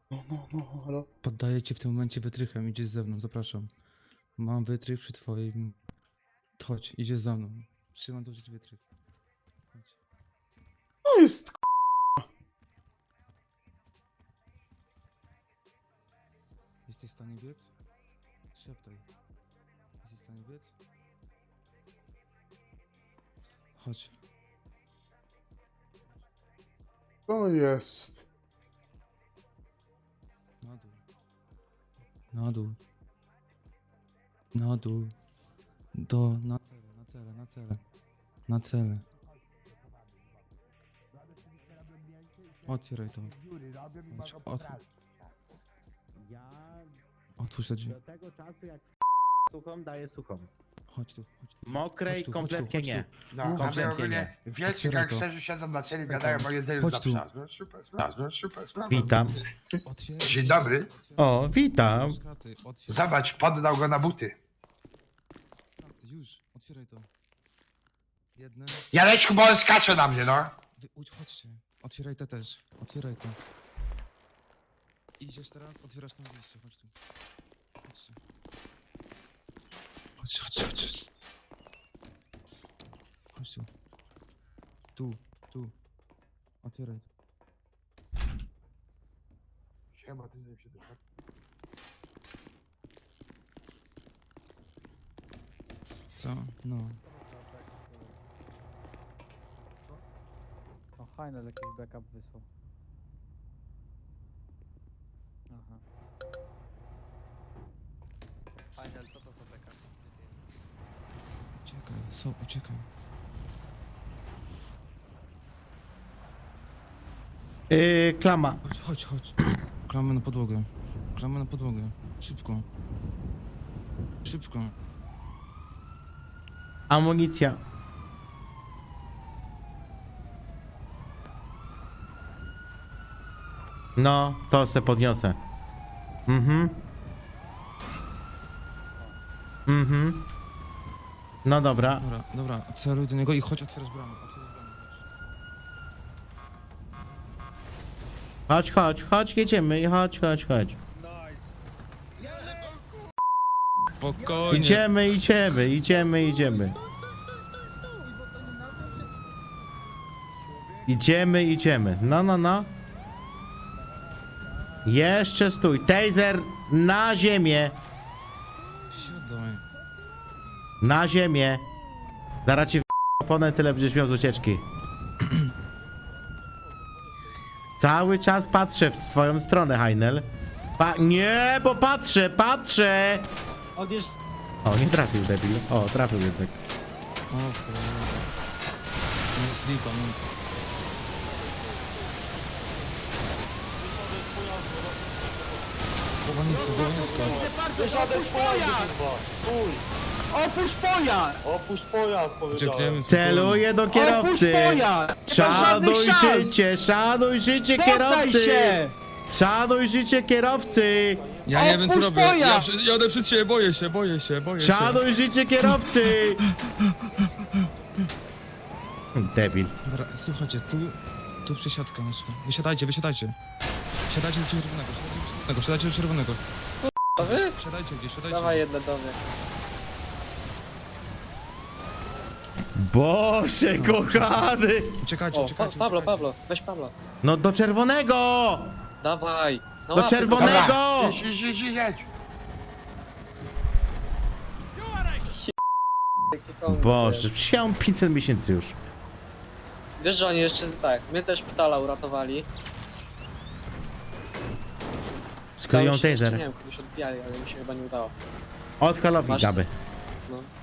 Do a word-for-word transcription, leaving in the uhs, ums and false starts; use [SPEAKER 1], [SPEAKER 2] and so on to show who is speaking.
[SPEAKER 1] No, no, no, halo.
[SPEAKER 2] Poddaję ci w tym momencie wytrychem, idziesz ze mną, zapraszam. Mam wytrych przy twoim... Chodź, idziesz za mną. Trzymam tu ci wytrych. Chodź.
[SPEAKER 1] To jest k***.
[SPEAKER 2] Jesteś w stanie biec? Szeptaj. Jesteś w stanie biec? Chodź.
[SPEAKER 1] To jest.
[SPEAKER 2] Na dół. Na dół. Na dół. Do... Na cele, na cele, na cele. Na cele. Otwieraj to. Chodź, otwórz.
[SPEAKER 3] Ja
[SPEAKER 2] Otwórz te drzwi.
[SPEAKER 3] do tego czasu jak suchą daję suchą.
[SPEAKER 2] Chodź tu, chodź tu.
[SPEAKER 3] Mokrej
[SPEAKER 2] Chodź tu,
[SPEAKER 3] kompletnie
[SPEAKER 2] chodź tu,
[SPEAKER 3] nie.
[SPEAKER 4] No,
[SPEAKER 3] Kompletnie
[SPEAKER 4] ale ogólnie
[SPEAKER 3] nie.
[SPEAKER 4] wielcy
[SPEAKER 2] Otwieraj to.
[SPEAKER 4] gangsterzy siedzą na celi,
[SPEAKER 2] Otwieraj
[SPEAKER 4] gadają
[SPEAKER 2] to.
[SPEAKER 4] o jedzeniu
[SPEAKER 2] Chodź
[SPEAKER 4] dla
[SPEAKER 2] tu.
[SPEAKER 4] psa. No super sprawa, no super sprawa.
[SPEAKER 3] Witam.
[SPEAKER 2] Otwieraj.
[SPEAKER 4] Dzień dobry.
[SPEAKER 3] O, witam.
[SPEAKER 2] Kraty, otwieraj.
[SPEAKER 4] Zobacz, poddał go na buty.
[SPEAKER 2] Kraty, już, otwieraj to. Jedne.
[SPEAKER 4] Janeczku, bo on skacze na mnie, no.
[SPEAKER 2] Wy, udź, chodźcie. Otwieraj te też. Otwieraj to. Idziesz teraz, otwierasz tam wyjście. Chodź tu. Chodźcie. Chodź, chodź, chodź. Chodź tu. Tu, tu. Otwieraj to.
[SPEAKER 4] Siema, ty z nim się doszedł.
[SPEAKER 2] Co? No.
[SPEAKER 5] O, Heinel jakiś backup wysłał. Aha.
[SPEAKER 6] Final, co to za backup? Gdzie ty jesteś?
[SPEAKER 2] Uciekaj, so, uciekaj.
[SPEAKER 3] Yy, klama.
[SPEAKER 2] Chodź, chodź, chodź. Klamę na podłogę. Klamę na podłogę. Szybko. Szybko.
[SPEAKER 3] Amunicja. No, to se podniosę. Mhm. Mhm. No dobra.
[SPEAKER 2] Dobra, dobra, celuj do niego i chodź, otwierasz bramę. Otwierasz bramę, chodź.
[SPEAKER 3] Chodź, chodź, chodź, jedziemy. Chodź, chodź, chodź.
[SPEAKER 2] Spokojnie.
[SPEAKER 3] Idziemy, idziemy, idziemy, idziemy. Idziemy, idziemy. No, no, no. Jeszcze stój. Taser na ziemię.
[SPEAKER 2] Siadaj.
[SPEAKER 3] Na ziemię. Zaraz ci w oponę, tyle będziesz miał z ucieczki. Cały czas patrzę w twoją stronę, Heinel. Pa nie, bo patrzę, patrzę.
[SPEAKER 5] Odjeżdż...
[SPEAKER 3] O, nie trafił, debil. O, trafił jednak.
[SPEAKER 2] O kurde. No jest lipa, no. Głowa nisko, głowa nisko.
[SPEAKER 5] Opuść pojazd! Opuść pojazd!
[SPEAKER 7] Opuść pojazd, powiedziałem.
[SPEAKER 2] Uciekniemy.
[SPEAKER 3] Celuję do
[SPEAKER 5] Opuść
[SPEAKER 3] kierowcy.
[SPEAKER 5] pojazd!
[SPEAKER 3] Szanuj
[SPEAKER 5] szans!
[SPEAKER 3] życie, szanuj życie
[SPEAKER 5] Poddaj
[SPEAKER 3] kierowcy.
[SPEAKER 5] się!
[SPEAKER 3] Szanuj życie kierowcy.
[SPEAKER 2] Ja nie wiem co
[SPEAKER 5] Opuść
[SPEAKER 2] robię. Ja
[SPEAKER 5] pojazd!
[SPEAKER 2] przy- jadę przed siebie, boję się, boję się, boję się.
[SPEAKER 3] Szanuj życie kierowcy. Debil.
[SPEAKER 2] Dobra, słuchajcie, tu, tu przesiadka nasza. Wysiadajcie, wysiadajcie. Siadajcie do czerwonego, siadajcie do czerwonego, siadajcie do czerwonego.
[SPEAKER 5] A wy?
[SPEAKER 2] Siadajcie gdzieś, siadajcie.
[SPEAKER 5] Dawaj jedne do mnie.
[SPEAKER 3] Boże kochany.
[SPEAKER 2] Uciekajcie,
[SPEAKER 5] O, pa
[SPEAKER 2] uciekajcie,
[SPEAKER 5] Pablo,
[SPEAKER 2] uciekajcie.
[SPEAKER 5] Pablo, weź Pablo.
[SPEAKER 3] No do czerwonego.
[SPEAKER 5] Dawaj. No
[SPEAKER 3] Do
[SPEAKER 5] łapy,
[SPEAKER 3] czerwonego.
[SPEAKER 4] Dobra, jedź, jedź, jedź, jedź.
[SPEAKER 5] dawaj.
[SPEAKER 3] Boże, przyjąłem pięćset miesięcy już.
[SPEAKER 5] Wiesz, że oni jeszcze z- tak, mnie ze szpitala uratowali.
[SPEAKER 3] Skleją
[SPEAKER 5] Udało się jeszcze,
[SPEAKER 3] taser.
[SPEAKER 5] Nie wiem, kogoś odbijali, ale mi się chyba nie udało.
[SPEAKER 3] Od Halowi
[SPEAKER 5] Masz-
[SPEAKER 3] gaby.
[SPEAKER 5] No.